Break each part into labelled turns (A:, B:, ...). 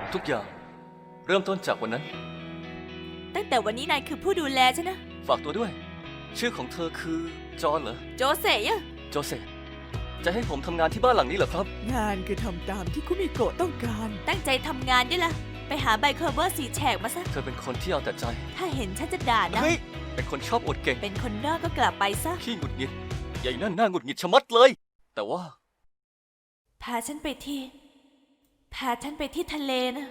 A: ทุกอย่างเริ่มต้นจากวันนั้น
B: ตั้งแต่วันนี้นายคือผู้ดูแลฉันนะ
A: ฝากตัวด้วยชื่อของเธอคือจอห์นเหรอ
B: โจเซ่อะ
A: โจเซฟจะให้ผมทำงานที่บ้านหลังนี้เหรอครับ
C: งานคือทำตามที่คุมิโกะต้องการ
B: ตั้งใจทำงานด้วยล่ะไปหาใบเคอร์เวอร์สีแฉกมาซะ
A: เธอเป็นคนที่เอาแต่ใจ
B: ถ้าเห็นฉันจะด่านะ
A: เฮ้ยเป็นคนชอบอวดเก่ง
B: เป็นคนนอกก็กลับไปซะ
A: ขี้หงุดหงิดใหญ่นั่นหน้าหงุดหงิดชะมัดเลย แต่ว่า
B: พาฉันไปที่ทะเลนะ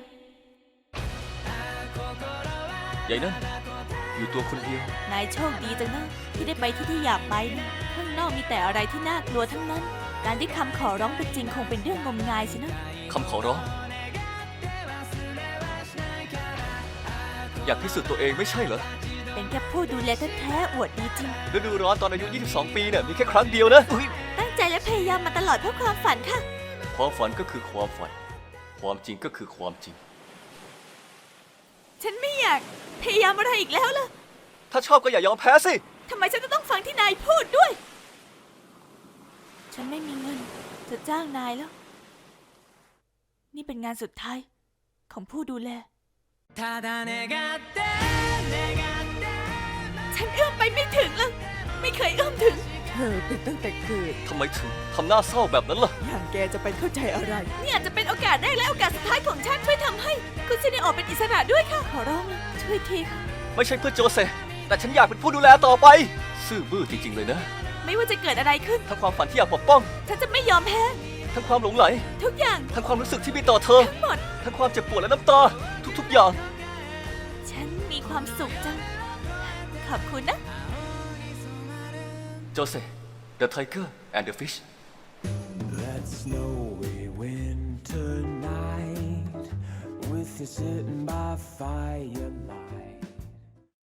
A: ใหญ่นั่นอยู่ตัวคนเดียวน
B: ายโชคดีจังนะที่ได้ไปที่อยากไปนะข้างนอกมีแต่อะไรที่น่ากลัวทั้งนั้น การที่คำขอร้องเป็นจริงคงเป็นเรื่องงมงายสินะ
A: คำขอร้องอยากพิสูจน์ตัวเองไม่ใช่เหรอ
B: เป็นแค่ผู้ดูแลแท้ๆอวดดีจริง
A: ฤดูร้อนตอนอายุ 22 ปีเนี่ยมีแค่ครั้งเดียวนะอุ๊ย
B: ตั้งใจและพยายามมาตลอดเพื่อความฝันค่ะ
A: ความฝันก็คือความฝัน ความจริงก็คือความจริง
B: ฉันไม่อยากพยายามอะไรอีกแล้วล่ะ
A: ถ้าชอบก็อย่ายอมแพ้สิ
B: ทำไมฉันจะต้องฟังที่นายพูดด้วย ฉันไม่มีเงินจะจ้างนายแล้ว นี่เป็นงานสุดท้ายของผู้ดูแล ฉันเอื้อมไปไม่ถึงแล้วไม่เคยเอื้อมถึง
C: เธอเป็นตั้งแต่เกิด
A: ทำไมถึงทำหน้าเศร้าแบบนั้นล่ะ
C: อย่างแกจะไปเข้าใจอะไร
B: นี่อาจจะเป็นโอกาสแรกและโอกาสสุดท้ายของฉันช่วยทำให้คุณซินิโอเป็นอิสระด้วยค่ะ ขอร้องนะช่วยทีค่ะ
A: ไม่ใช่เพื่อโจเซฟแต่ฉันอยากเป็นผู้ดูแลต่อไป ซื่อบื้อจริงๆเลยนะ
B: ไม่ว่าจะเกิดอะไรขึ้น
A: ทั้งความฝันที่อยากปกป้อง
B: ฉันจะไม่ยอมแพ้
A: ทั้งความหลงไหล
B: ทุกอย่าง
A: ทั้งความรู้สึกที่มีต่อเธอ
B: ทั้งหมด
A: ทั้งความเจ็บปวดและน้ำตา ทุกๆอย่าง
B: ฉันมีความสุขจัง ขอบคุณนะ
A: โจเซฟ The Tiger and the Fish
D: That snowy winter night with you sitting by firelight.